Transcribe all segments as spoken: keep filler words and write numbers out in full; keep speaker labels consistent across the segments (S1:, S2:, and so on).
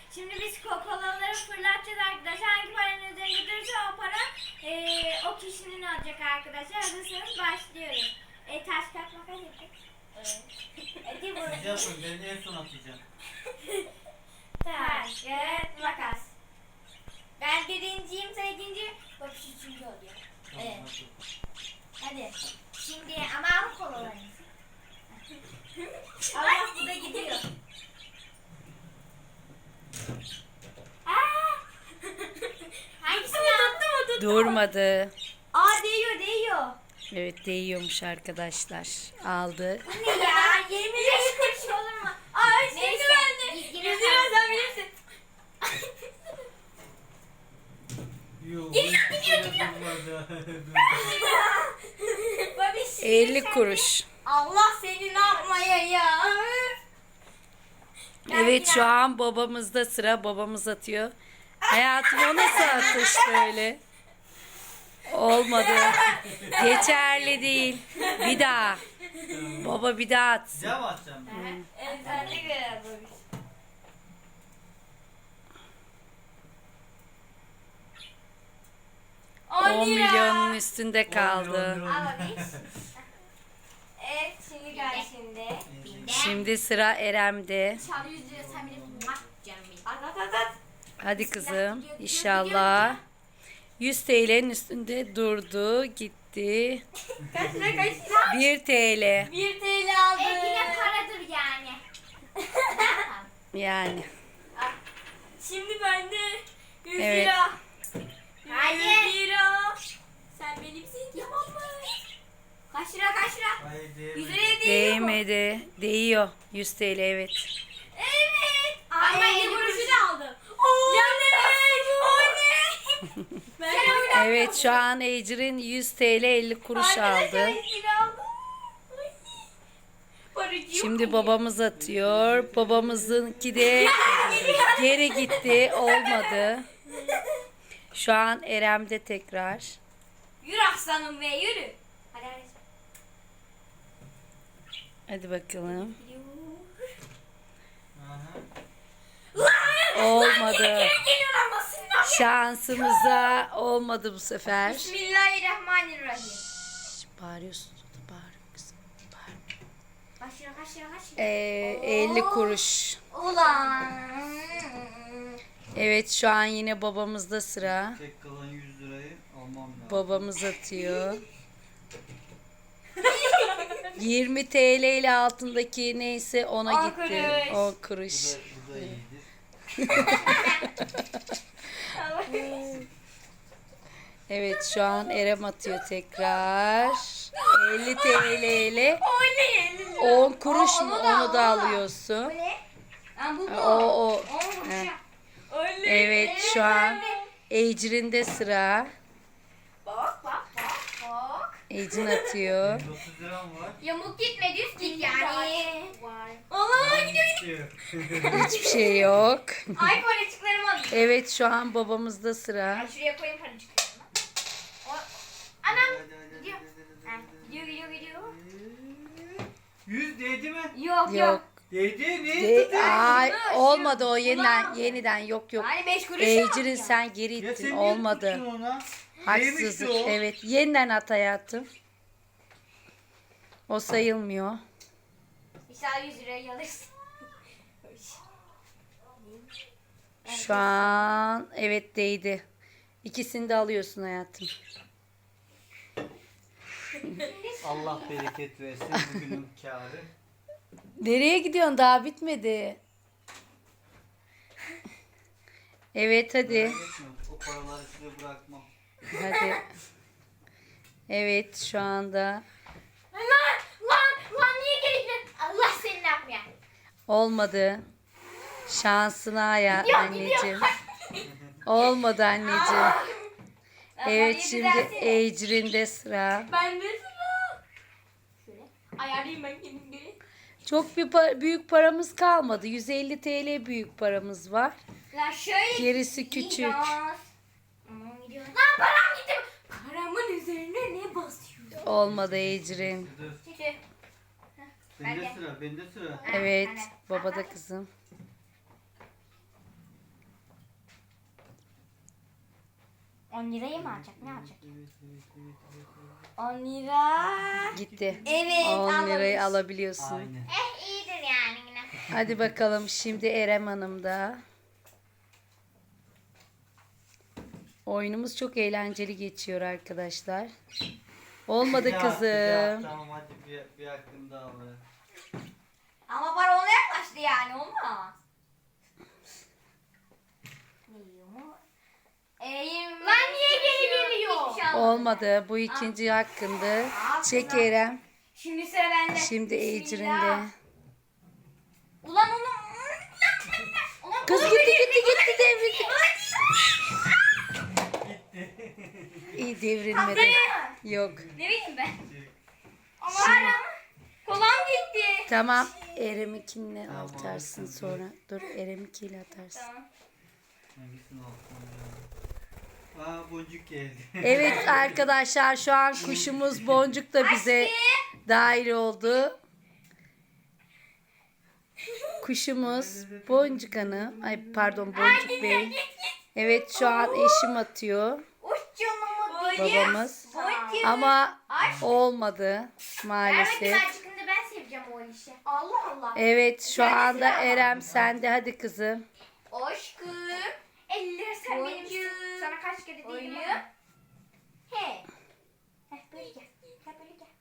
S1: Şimdi biz kokolaları fırlatacağız arkadaşlar. Hangi paranın üzerinde durursa o para e, o kişinin olacak arkadaşlar. Hazırsanız başlıyoruz. E, taş kağıt makas yapacağız. Evet. Hadi
S2: Siz
S1: bunu.
S2: yapın, ben en son atacağım.
S1: Taş kağıt makas. Ben birinciyim, sen ikinci. Bak üçüncü oluyor.
S2: Tamam,
S1: Evet.
S2: hadi.
S1: Hadi. Şimdi ama al kolalarınızı. Allah bu da gidiyor. Aa! Hangisini tuttu mu tuttu?
S3: Durmadı.
S1: Aa değiyor değiyor.
S3: Evet değiyormuş arkadaşlar. Aldı.
S1: Bu ne ya? yirmi beş kuruş olur mu? Aa şimdi bende. yüz lira sen bilirsin.
S2: Yok.
S1: Gidiyor, gidiyor, gidiyor. Babiş,
S3: elli
S1: sen
S3: kuruş.
S1: de- Allah seni ne yapmaya ya? Ben
S3: Evet şu
S1: biraz-
S3: an babamızda sıra. Babamız atıyor. Hayatım o nasıl atış böyle? Olmadı. Geçerli değil. Bir daha. Baba bir daha at.
S2: Size mi atacağım?
S1: Evet sen de göre babiş.
S3: on milyonun üstünde kaldı.
S2: On milyon.
S1: Al babiş. Evet şimdi gel şimdi.
S3: Şimdi sıra Erem'de.
S1: Çal yüz lira sen bilirsin. Bak canım benim. At at at at.
S3: Hadi kızım. İnşallah. yüz T L'nin üstünde durdu. Gitti.
S1: Kaç lira kaç lira?
S3: bir T L.
S1: bir T L aldı. E yine paradır yani.
S3: Yani.
S1: Şimdi bende yüz
S3: Evet.
S1: lira. yüz lira. Sen benimsin tamam mı? Kaç lira kaç lira?
S2: Hayır,
S1: yüz
S2: değmedi.
S1: liraya değil mi?
S3: Değmedi. Değiyor. yüz T L evet.
S1: Evet. Ama elli kuruşu da aldım. Ya ne? O ne? Ben de
S3: Evet şu an Ecrin yüz T L elli kuruş aldı. Şimdi babamız atıyor. Babamızınki de geri gitti. Olmadı. Şu an Erem'de tekrar.
S1: Yürü aslanım be yürü. Hadi hadi.
S3: Hadi bakalım.
S2: Aha.
S3: Olmadı.
S1: Geliyor ama sinir.
S3: Şansımıza olmadı bu sefer.
S1: Bismillahirrahmanirrahim.
S3: Şş, Bağırıyorsun. Bağırıyor kızım. Bağır.
S1: Kaç lira kaç lira kaç lira?
S3: Ee, elli kuruş.
S1: Ulan.
S3: Evet şu an yine babamızda sıra.
S2: Tek kalan yüz lirayı almam lazım.
S3: Babamız atıyor. yirmi T L ile altındaki neyse ona
S1: On
S3: gitti.
S1: kuruş.
S3: on
S2: Bu
S3: kuruş.
S2: da, bu da iyidir.
S3: Evet şu an Erem atıyor tekrar. elli T L ile
S1: O ne? elli lira.
S3: on kuruş
S1: Aa,
S3: mu
S1: onu da al,
S3: onu da
S1: onu da al.
S3: alıyorsun.
S1: Ne? Ha, bu bu.
S3: O o.
S1: On kuruş.
S3: He.
S1: Öyle.
S3: Evet şu an Ecrin'de sıra.
S1: Bak bak bak bak.
S3: Ecrin atıyor.
S2: yüz otuz liram var.
S1: Yamuk gitme düz git yani. Allah gidiyor gidiyor.
S2: Bitiyor.
S3: Hiçbir şey yok.
S1: Ay paracıklarımı alayım.
S3: Evet şu an babamızda sıra.
S1: Ay şuraya koyayım paracıklarımı. O... Anam.
S2: Hadi, hadi,
S1: Gidiyor.
S2: hadi,
S1: Ha,
S2: hadi, hadi.
S1: gidiyor gidiyor gidiyor.
S2: Yüz değdi mi?
S1: Yok yok.
S3: Yok.
S2: Değdi. Niye
S3: De-
S2: tutuyor?
S3: Ay
S1: Şunu,
S3: olmadı o
S1: şunu
S3: yeniden
S1: al.
S3: yeniden yok yok.
S1: Hani beş kuruş
S3: Ecrin
S1: yok.
S3: sen geri
S2: Ya sen
S3: ittin
S2: niye
S3: olmadı.
S2: tuttun ona?
S3: Haksızlık.
S2: Değmişti o.
S3: Evet yeniden at hayatım. O sayılmıyor.
S1: İnşallah yüz lirayı alırsın.
S3: Şu an evet değdi. İkisini de alıyorsun hayatım.
S2: Allah bereket versin bugünün kârı.
S3: Nereye gidiyorsun? Daha bitmedi. Evet hadi.
S2: Merak etme, o paraları size bırakmam.
S3: Hadi. Evet şu anda
S1: Lan lan lan niye geldin? Allah seni ne yapmıyor?
S3: olmadı. Şansına ya
S1: Gidiyor,
S3: anneciğim. Olmadı anneciğim. Evet şimdi Ecrin'de sıra.
S1: Ben de sıra. Şöyle ayarlayayım ben kendimi.
S3: Çok bir pa- büyük paramız kalmadı. yüz elli T L büyük paramız var.
S1: Lan şöyle.
S3: Gerisi küçük.
S1: Gidiyor. Aman gidiyor. Lan param gitti. Paramın üzerine ne basıyor?
S3: Olmadı Ecrin.
S2: Dur.
S1: Çekil.
S2: Bende
S1: Ben de.
S2: sıra, bende sıra.
S3: Evet
S1: Anne.
S3: babada kızım.
S1: on lirayı mı alacak? Ne alacak?
S2: Evet, evet, evet, evet, evet.
S1: on lira.
S3: Gitti.
S1: Evet.
S3: on lirayı
S1: alırız.
S3: alabiliyorsun.
S2: Aynen.
S1: Eh iyidir yani yine.
S3: Hadi bakalım şimdi Erem Hanım da. Oyunumuz çok eğlenceli geçiyor arkadaşlar. Olmadı
S2: Bir hak, bir hak.
S3: kızım.
S2: Tamam hadi bir, bir hakkım daha var.
S1: Ama para ona yaklaştı yani olmaz. Lan niye geri geliyor?
S3: Olmadı. Bu ikinci hakkındı. Çek Erem.
S1: Şimdi sıra bende.
S3: Şimdi
S1: Bismillah.
S3: Ecrin'de.
S1: Ulan onu... Ulan
S3: Kız
S1: onu
S3: gitti
S1: böyle-
S3: gitti gitti devrildi. İyi devrilmedi.
S1: Patladı mı?
S3: Yok.
S1: Ne bileyim ben. Ama hala kolam gitti.
S3: Tamam. Erem'ikinle
S2: Tamam,
S3: atarsın
S2: olsun.
S3: sonra. Dur Erem'ikiyle atarsın.
S1: Tamam.
S2: Hangisini alsam ya? Aa boncuk geldi.
S3: Evet arkadaşlar şu an kuşumuz Boncuk da bize dahil oldu. Kuşumuz Boncuk Hanım. Ay pardon Boncuk Bey. Evet şu an eşim atıyor.
S1: Uç canımı
S3: Babamız.
S1: Boncuk.
S3: Ama
S1: Ay.
S3: olmadı
S1: Evet
S3: maalesef.
S1: ben çıkınca ben seveceğim o işi. Allah Allah.
S3: Evet şu anda Erem sende hadi kızım.
S1: Aşkım. elli lira sen benimsin. Sana kaç kere değdim ama. He. Heh böyle gel. Gel böyle gel.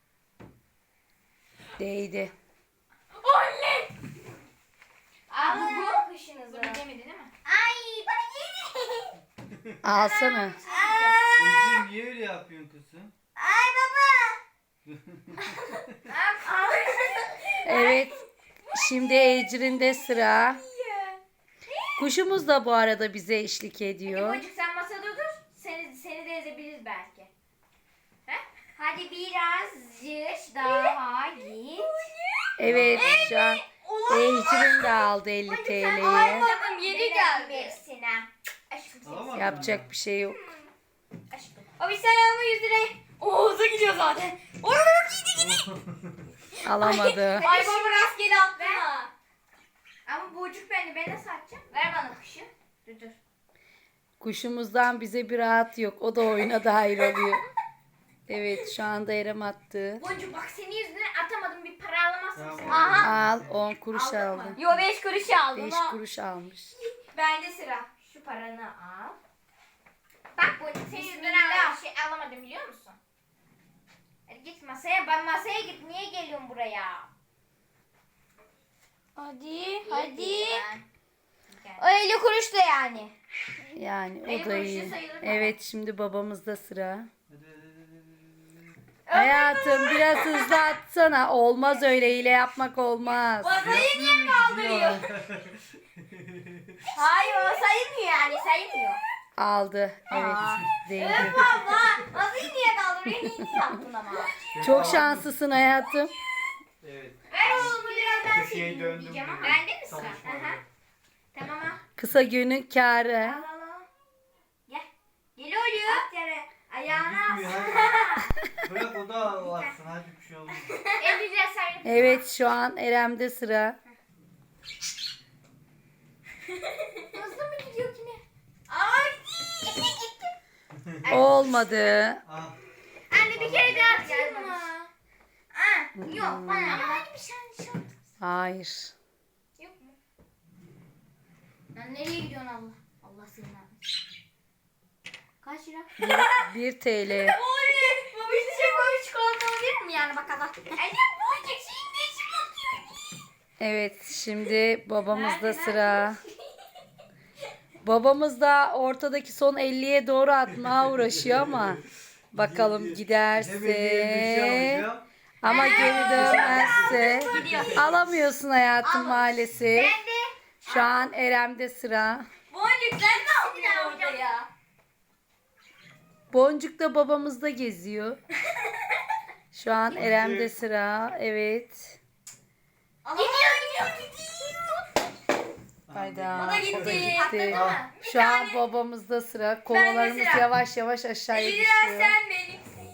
S3: Değdi.
S1: Oley. Aa, bu bu kuşunuzu. Bu demedi değil mi? Ay bana yedi.
S3: Alsana.
S2: Ecrin niye öyle yapıyorsun kızım?
S1: Ay baba.
S3: Evet. Şimdi Ecrin'de sıra. Kuşumuz da bu arada bize eşlik ediyor.
S1: Boncuk sen masada dur. Seni, seni de ezebiliriz belki. He? Hadi birazcık daha git.
S3: Evet şu an Ecrin de aldı elli T L'yi.
S1: Tamam yedi geldi. Hepsine. Aşkım seni.
S2: Alamadın
S3: Yapacak bir şey yok.
S1: Aşkım. Abi sen alma yüz lirayı. Oğuz'a gidiyor zaten. Oğuz gidi gidi.
S3: Alamadı.
S1: Ay baba rastgele attı ha. Ama boncuk bende. Ben nasıl atacağım? Ver bana kuşu. Dur dur.
S3: Kuşumuzdan bize bir rahat yok. O da oyuna dahil oluyor. Evet şu anda Erem attı.
S1: Boncuk bak senin yüzünden atamadım. Bir para alamazsın
S2: Tamam.
S1: sen. Aha.
S3: Al on kuruş
S1: Aldın mı?
S3: aldı.
S1: Yo beş kuruş aldım.
S3: beş
S1: ha.
S3: kuruş almış.
S1: Bende sıra. Şu paranı al. Bak boncuk senin yüzünden bir şey alamadım biliyor musun? Hadi git masaya. Ben masaya git. Niye geliyorsun buraya? Hadi. Hadi. O elli kuruş da yani.
S3: Yani
S1: Benim
S3: o da
S1: kuruşu
S3: iyi.
S1: sayılır mı?
S3: Evet şimdi babamızda sıra.
S2: Hadi, hadi, hadi, hadi, hadi.
S3: Hayatım biraz hızlı atsana. Olmaz öyle hile yapmak olmaz.
S1: Masayı niye kaldırıyor? Hayır o sayılmıyor yani sayılmıyor.
S3: Aldı. Evet. Değdi.
S1: Evet abla. Masayı niye kaldırıyor? Niye yaptın ama?
S3: Çok şanslısın hayatım.
S2: Evet.
S1: Ver oğlum biraz ben
S2: Köşeyi
S1: sileyim
S2: döndüm
S1: diyeceğim ama.
S2: buraya.
S1: Bende mi sıra?
S2: Çalışmadı.
S1: Aha. Tamam ha.
S3: Kısa günün kârı.
S1: Al al al. Gel. Gel oluyor. At yere. Ayağına
S2: Gitmiyor,
S1: as.
S2: hadi. Bırak o da atsın hadi bir şey olmaz.
S1: elli lira sayın.
S3: Evet şu an Erem'de sıra.
S1: Hızlı mı gidiyor yine? Ay. Gitti gitti.
S3: Olmadı.
S2: Ah.
S1: Anne bir kere daha atayım mı? Aa, yok bana. Ama hani bir şey şey
S3: Hayır.
S1: yok mu? Lan nereye gidiyorsun Allah? Allah seni vermesin. Kaç lira?
S3: bir T L.
S1: Oley! Bu bir şey böyle çikolata olabilir mi yani bakalım? Anne bu olacak şeyin ne işi bakıyor?
S3: Evet şimdi babamızda sıra. Babamız da ortadaki son elliye doğru atmaya uğraşıyor ama bakalım
S2: Demediğim bir
S3: giderse
S2: şey alacağım.
S3: ama geri dönmezse alamıyorsun hayatım maalesef.
S1: Ben de.
S3: Şu an Erem'de sıra.
S1: Boncuk sen ne yapıyorsun orada ya?
S3: Boncuk da babamızda geziyor. Şu an Erem'de sıra. Evet.
S1: Gidiyor gidiyor gidiyor.
S3: Hayda.
S1: O da gitti.
S3: gitti.
S1: Atladı mı? Bir
S3: Şu an
S1: tane.
S3: babamızda sıra. Kovalarımız
S1: sıra.
S3: yavaş yavaş aşağıya
S1: elli lira
S3: düşüyor.
S1: sen benimsin.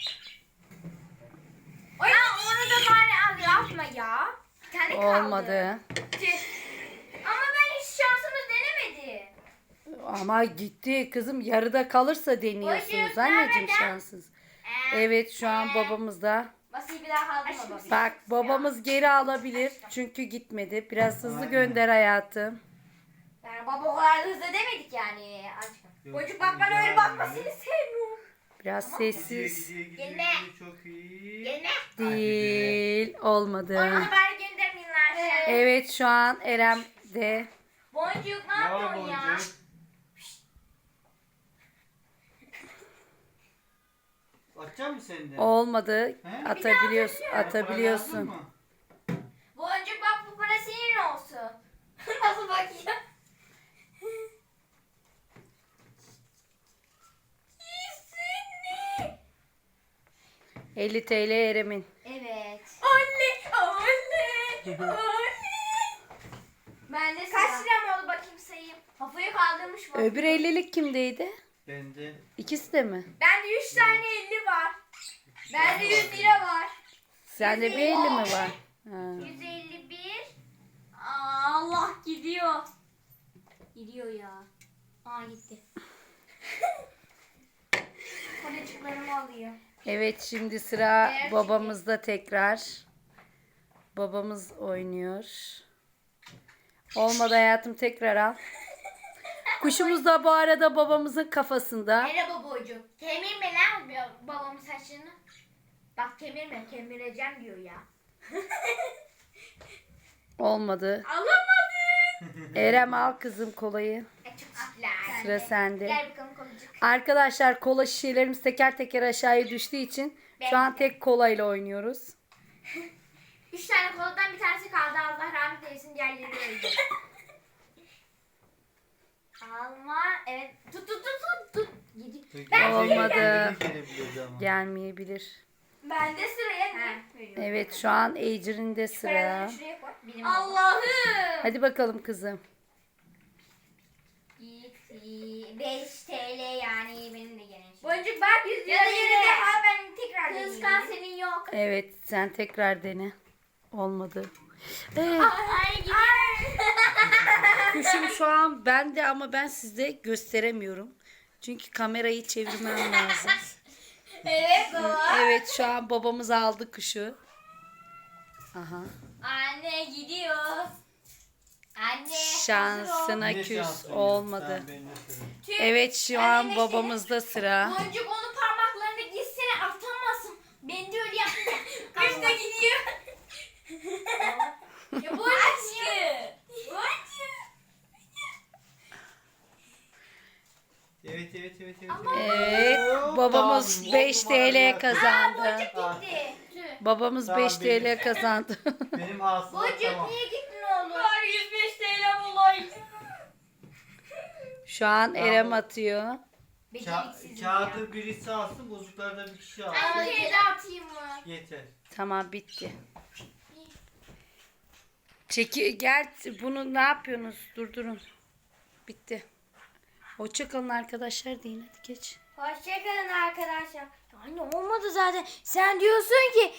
S1: Ay onu da bari al yapma ya. Bir tane kaldı.
S3: Olmadı.
S1: Tüh. Ama ben hiç şansımız denemedi.
S3: Ama gitti kızım, yarıda kalırsa deniyorsunuz
S1: Boncuk,
S3: anneciğim,
S1: nerede?
S3: şanssız. Evet, şu an babamız da.
S4: Basıyı bir daha kaldırma baba.
S3: Bak, babamız geri alabilir çünkü gitmedi. Biraz hızlı
S2: Aynen.
S3: gönder hayatım.
S4: Yani baba o kadar da hızlı demedik yani. Aşkım.
S2: Yok,
S4: Boncuk bak bana
S2: güzel
S4: öyle bakma,
S2: böyle.
S4: seni sevmiyorum.
S3: Biraz
S2: Gidiyor,
S3: sessiz.
S2: gidiyor, gidiyor,
S4: Gelme.
S2: gidiyor, çok iyi.
S4: Gelme.
S3: Değil, olmadı.
S4: Onu bari göndermeyin lan aşağı.
S3: Evet, şu an Erem de.
S4: Boncuk ne
S2: Ya
S4: yapıyorsun ya?
S2: Boncuk. Atacak mısın sen de?
S3: Olmadı.
S2: He?
S3: Atabiliyorsun,
S2: Para lazım
S3: atabiliyorsun.
S2: mı?
S4: Boncuk bak, bu para senin olsun. Nasıl bakıyor?
S3: elli T L Erem'in.
S4: Evet. Anne, anne, anne. Ben de
S1: Kaç
S4: sıra.
S1: lira mı oldu bakayım sayayım.
S4: Kafayı kaldırmış mı?
S3: Öbür ellilik kimdeydi?
S2: Bende.
S3: İkisi de mi?
S1: Bende üç tane elli var.
S4: Bende yüz lira var.
S3: Sende bir elli mi var? Ha.
S1: yüz elli bir.
S4: Aa, Allah gidiyor. Gidiyor ya. Aa gitti.
S1: Koleciklerimi alıyor.
S3: Evet, şimdi sıra babamızda tekrar. Babamız oynuyor. Olmadı hayatım, tekrar al. Kuşumuz da bu arada babamızın kafasında.
S1: Merhaba boncuk. Kemirme lan bu- babamın saçını. Bak kemirme, kemireceğim diyor ya.
S3: Olmadı.
S1: Alamadım.
S3: Erem, al kızım kolayı.
S1: E, çok çiftler.
S3: Sıra sende.
S1: Gel bakalım kolecik.
S3: Arkadaşlar, kola şişelerimiz teker teker aşağıya düştüğü için şu an tek kolayla oynuyoruz.
S1: Üç tane koladan bir tanesi kaldı. Allah rahmet eylesin, diğerleri öldü. Alma. Evet. Tut tut tut tut. tut. Yedi.
S2: Ben
S3: Olmadı.
S2: gelebilirdi ama.
S3: Gelmeyebilir.
S1: Bende sıraya ne?
S3: Evet, şu an Ecrin'in de sıra.
S1: Paralarını şuraya koy. Benim
S4: Allah'ım.
S3: Hadi bakalım kızım.
S1: Gitti. beş T L yani benim de gene.
S4: Boncuk bak, yüz lira
S1: Ya da yeni
S4: yine.
S1: defa ben tekrar
S4: Kıskan
S1: deneyeyim.
S4: senin yok.
S3: Evet, sen tekrar dene. Olmadı. Evet,
S1: Ay gidiyor.
S3: kuşum şu an bende ama ben size gösteremiyorum. Çünkü kamerayı çevirmem lazım.
S4: Evet baba.
S3: Evet, şu an babamız aldı kuşu. Aha.
S4: Anne gidiyor. Anne.
S3: Şansına
S2: Yine
S3: küs
S2: şanslıyım.
S3: olmadı.
S2: Sen bende sıra.
S4: Tüh.
S3: Evet, şu an babamızda sıra.
S1: Boncuk onun parmaklarını gitsene atamasın. Ben de öyle yaptım.
S4: Kuş da gidiyor. Ya bu aşkı.
S2: Evet evet evet evet.
S3: Evet, babamız
S2: Tamam,
S3: beş
S2: oldu bari
S3: T L
S2: ya.
S3: kazandı.
S2: Ah,
S1: Gitti. Tüh.
S3: Babamız
S2: Tamam,
S3: beş T L kazandı.
S2: Benim aslında
S1: Boncuk
S2: tamam.
S1: niye gittin oğlum?
S4: Var yüz beş T L bulayım.
S3: Şu an Erem atıyor.
S1: Beceriksizim
S2: Ka-
S1: ya.
S2: kağıdı birisi alsın, bozuklarda bir kişi
S1: Ben
S2: alsın.
S1: bir kere atayım mı?
S2: Yeter.
S3: Tamam, bitti. Çeki gel, bunu ne yapıyorsunuz? Durdurun. Bitti. Hoşçakalın arkadaşlar deyin, hadi geç.
S1: Hoşçakalın arkadaşlar. Anne olmadı zaten. Sen diyorsun ki